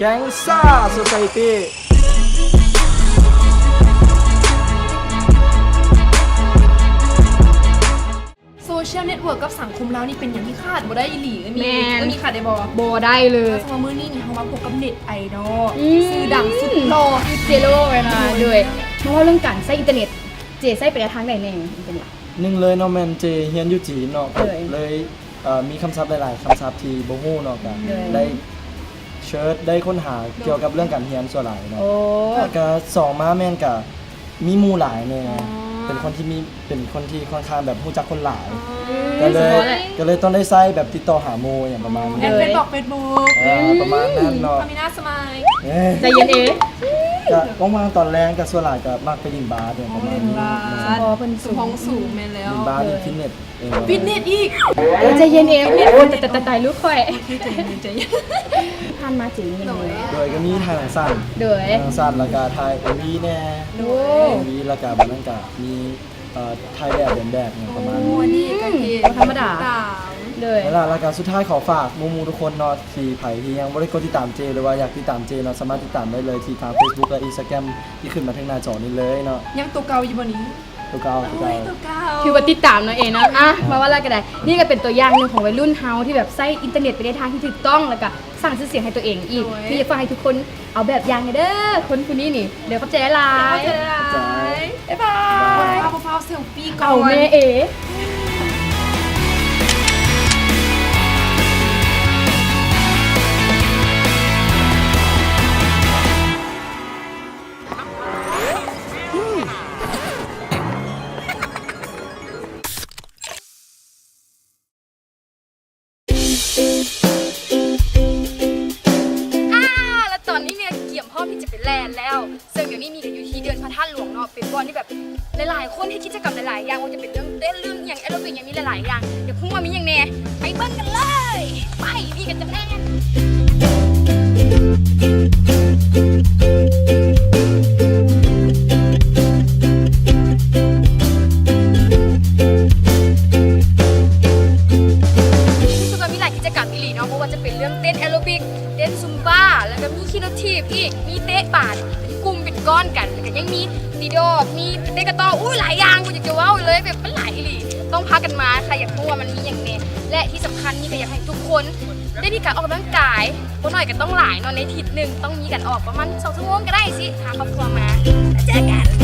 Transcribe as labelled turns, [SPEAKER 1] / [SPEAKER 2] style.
[SPEAKER 1] แก๊งซ่าโซไซตี้
[SPEAKER 2] โซเชียลเน็ตเวิร์กกับสังคมเรานี่เป็นอย่างที่คาดบ่ได้อีหลีมีขาดได้บ่
[SPEAKER 3] ได้เลย
[SPEAKER 2] สมมติมื้อนี้นี่เขามาพบกับเน็ตไอดอลชื่อดังสุดหล่อ
[SPEAKER 3] เจโร่เลยนะด้วยเพราะว่าเรื่องการใช้อินเทอร์เน็ตเจใช้ไปทางไหนแน่อินเทอร์เน็ต
[SPEAKER 1] หนึ่งเลยเนาะแมนเจเฮียนอยู่จีนเนาะเลยมีคำศัพท์หลายๆคำศัพท์ที่บ่ฮู้เนาะกันได้เชิร์ชได้ค้นหาเกี่ยวกับเรื่องการเรียนส่วนหลายเนาะแล้วก็สองมาแม่นก็มีหมู่หลายแน่เป็นคนที่ค่อนข้างแบบรู้จักคนหลายก็เลยต้องได้ใช้แบบติดต่อหาหมู่อย่างประมาณนี้
[SPEAKER 2] เป็นบอกเฟซบุ๊ก
[SPEAKER 1] ประมาณนั้นเนาะ
[SPEAKER 2] มีหน้าสมัย
[SPEAKER 3] ใจเย็น
[SPEAKER 1] ก็ว่างๆตอนแรงก็ส่วนหลายก็มักไปดินบาร์อย่างประมาณนี้
[SPEAKER 3] พอเพิ่น
[SPEAKER 2] ห้องสูงแม่นแล้ว
[SPEAKER 1] ดินบาร์ดินฟิตเนส
[SPEAKER 2] อีก
[SPEAKER 3] ใจเย็นแต่ตายรู้ค่อย
[SPEAKER 2] ใจเย็น
[SPEAKER 3] ผ่านมาถึงนี่
[SPEAKER 1] โดยก็มีทางสั้นแล้วก็ทายMVแน่MVแล้วก็บัดนั้นก็มีถ่ายแบบเดินแบบอย่างประมาณนี้
[SPEAKER 2] นี่ก็
[SPEAKER 3] ธรรมดา
[SPEAKER 1] เลยแล้วก็สุดท้ายขอฝากมูทุกคนเนาะที่ไผที่ยังบ่ได้กดติดตามเจหรือว่าอยากติดตามเจเนาะสามารถติดตามได้เลยที่ทาง Facebook และ Instagram ที่ขึ้นมาทางหน้าจอนี้เลยเนาะ
[SPEAKER 2] ยังตัวเก่าอยู่บ่นี้
[SPEAKER 1] ตัวเก่า
[SPEAKER 3] คือว่าติดตามเนาะเองนะมาว่าอะไรก็ได้นี่ก็เป็นตัวอย่างนึงของวัยรุ่นเฮาที่แบบใช้อินเทอร์เน็ตไปในทางที่ถูกต้องแล้วก็สร้างชื่อเสียงให้ตัวเองอีกพี่อยากฝากให้ทุกคนเอาแบบอย่างเด้อคนนี้นี่เดี๋ยวเข้าใจหลาย
[SPEAKER 2] บ๊ายบายฟ้าเซลฟี่ก่อน
[SPEAKER 3] เอาแม่เอ๋แล้วตอนนี้เนี่ยเกี่ยมพ่อพี่จะไปแลนแล้วซึ่งเดี๋ยวนี้มีกันอยู่ที่เดือนพระธาตุหลวงเนาะเป็นบอลที่แบบหลายๆคนให้กิจกรรมหลายๆอย่างว่าจะเป็นเรื่องเต้นเรื่องอย่างแอโรบิกอย่างมีหลายๆอย่างเดี๋ยวพุ่งว่ามีอย่างแน่ไปเบิ้ลกันเลยไปพี่กันจะแน่นเพราะว่าจะเป็นเรื่องเต้นแอโรบิกเต้นซุมบ้าแล้วก็มีคีโนทีฟอีกมีเตะบาดเป็นกลุ่มเป็นก้อนกันแล้วก็ยังมีตีโดมีเตะกระต่อหลายอย่างกูอยากจะว้าวเลยแบบมันหลายอีหลีต้องพากันมาใครอยากรู้ว่ามันมีอย่างแน่และที่สำคัญนี่ก็อยากให้ทุกคนได้มีการออกกำลังกายเพราะหน่อยก็ต้องหลายนอนในอาทิตย์นึงต้องมีการออกประมาณ2 ชั่วโมงก็ได้สิหาครอบครัวมาเจอกัน